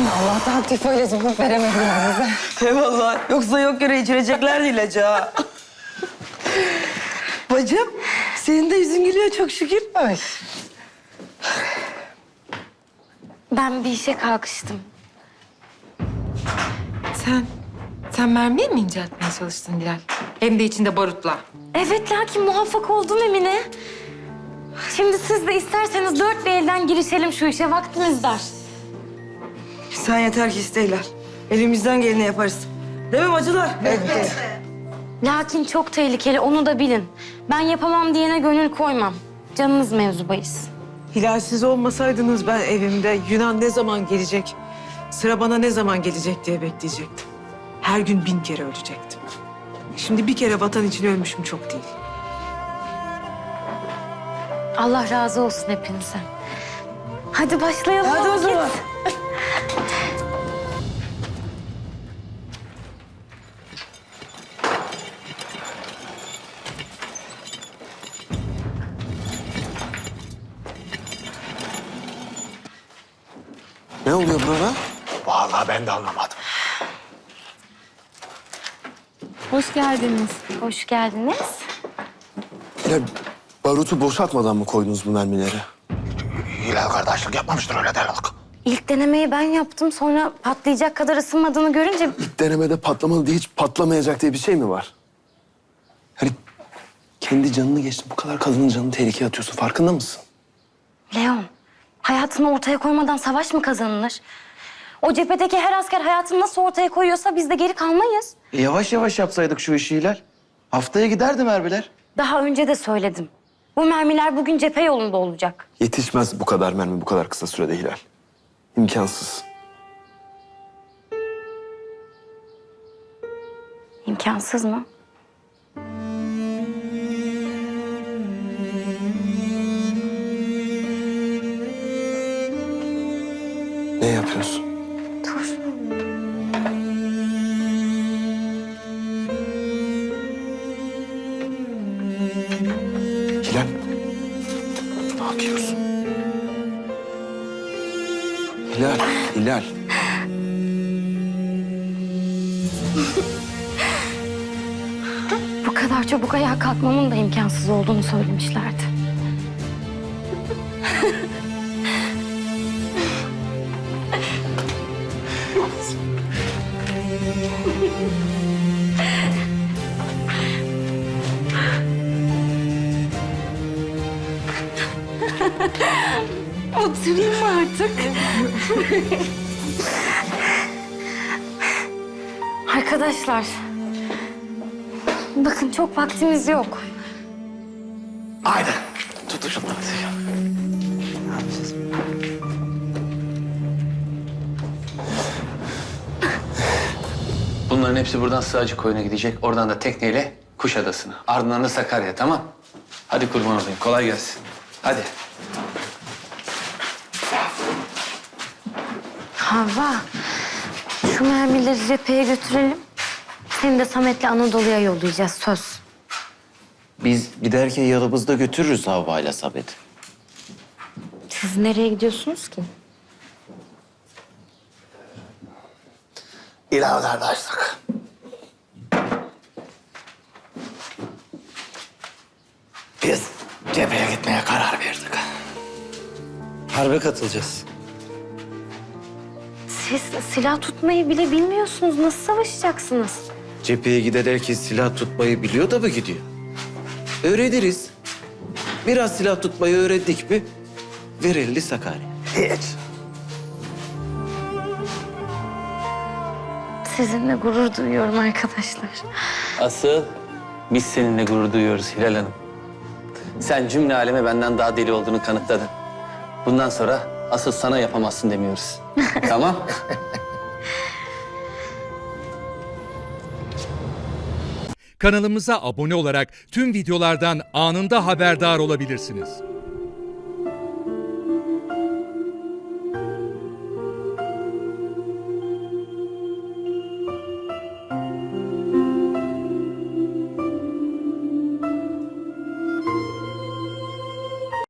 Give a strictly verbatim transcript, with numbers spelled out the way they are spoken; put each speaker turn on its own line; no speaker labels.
Allah'tan aktif öyle cevap veremediler bize.
Eyvallah. Yoksa yok yere içireceklerdi ilacı ha. Bacım, senin de yüzün gülüyor çok şükür.
Ay.
Ben bir işe kalkıştım.
Sen, sen mermiye mi inceltmeye çalıştın Dilal? Hem de içinde barutla.
Evet, lakin muvaffak oldum Emine. Şimdi siz de isterseniz dört bir elden girişelim şu işe. Vaktimiz dar.
Sen yeter ki isteyler. Elimizden geleni yaparız. Değil mi bacılar? Evet.
Lakin çok tehlikeli, onu da bilin. Ben yapamam diyene gönül koymam. Canınız mevzu bahis.
Hilal, siz olmasaydınız ben evimde Yunan ne zaman gelecek, sıra bana ne zaman gelecek diye bekleyecektim. Her gün bin kere ölecektim. Şimdi bir kere vatan için ölmüşüm çok değil.
Allah razı olsun hepinize. Hadi başlayalım.
Hadi o
vakit.
zaman.
Ne oluyor burada?
Vallahi ben de anlamadım.
Hoş geldiniz.
Hoş geldiniz.
Ya barutu boşaltmadan mı koydunuz bu mermileri?
Hilal kardeşlik yapmamıştır öyle delilik.
İlk denemeyi ben yaptım. Sonra patlayacak kadar ısınmadığını görünce...
İlk denemede patlamalı diye hiç patlamayacak diye bir şey mi var? Hani kendi canını geçti, bu kadar kadının canını tehlikeye atıyorsun, farkında mısın?
Leon, hayatını ortaya koymadan savaş mı kazanılır? O cephedeki her asker hayatını nasıl ortaya koyuyorsa biz de geri kalmayız.
E, yavaş yavaş yapsaydık şu işi Hilal. Haftaya giderdi mermiler.
Daha önce de söyledim. Bu mermiler bugün cephe yolunda olacak.
Yetişmez bu kadar mermi bu kadar kısa sürede Hilal. İmkansız.
İmkansız mı?
Ne yapıyorsun?
Dur.
Hilal. Ne yapıyorsun? Hilal, Hilal.
Bu kadar çabuk ayağa kalkmamın da imkansız olduğunu söylemişlerdi. Oturayım mı artık? Arkadaşlar, bakın çok vaktimiz yok.
Haydi.
Tut şunu hadi.
Bunların hepsi buradan Sığacı Koyun'a gidecek. Oradan da tekneyle Kuşadası'na. Ardından da Sakarya, tamam? Hadi kurban olayım. Kolay gelsin. Hadi.
Havva, şu mermileri cepheye götürelim. Seni de Samet'le Anadolu'ya yollayacağız, söz.
Biz giderken yanımızda götürürüz Havva'yla Samet'i.
Siz nereye gidiyorsunuz ki?
Hilal kardeşlik. Biz cepheye gitmeye karar verdik.
Harbe katılacağız.
Siz silah tutmayı bile bilmiyorsunuz. Nasıl savaşacaksınız?
Cepheye giden herkes silah tutmayı biliyor da mı gidiyor? Öğreniriz. Biraz silah tutmayı öğrendik mi ver elini Sakarya.
Hiç.
Sizinle gurur duyuyorum arkadaşlar.
Asıl biz seninle gurur duyuyoruz Hilal Hanım. Sen cümle aleme benden daha deli olduğunu kanıtladın. Bundan sonra asıl sana yapamazsın demiyoruz. Tamam?
Kanalımıza abone olarak tüm videolardan anında haberdar olabilirsiniz.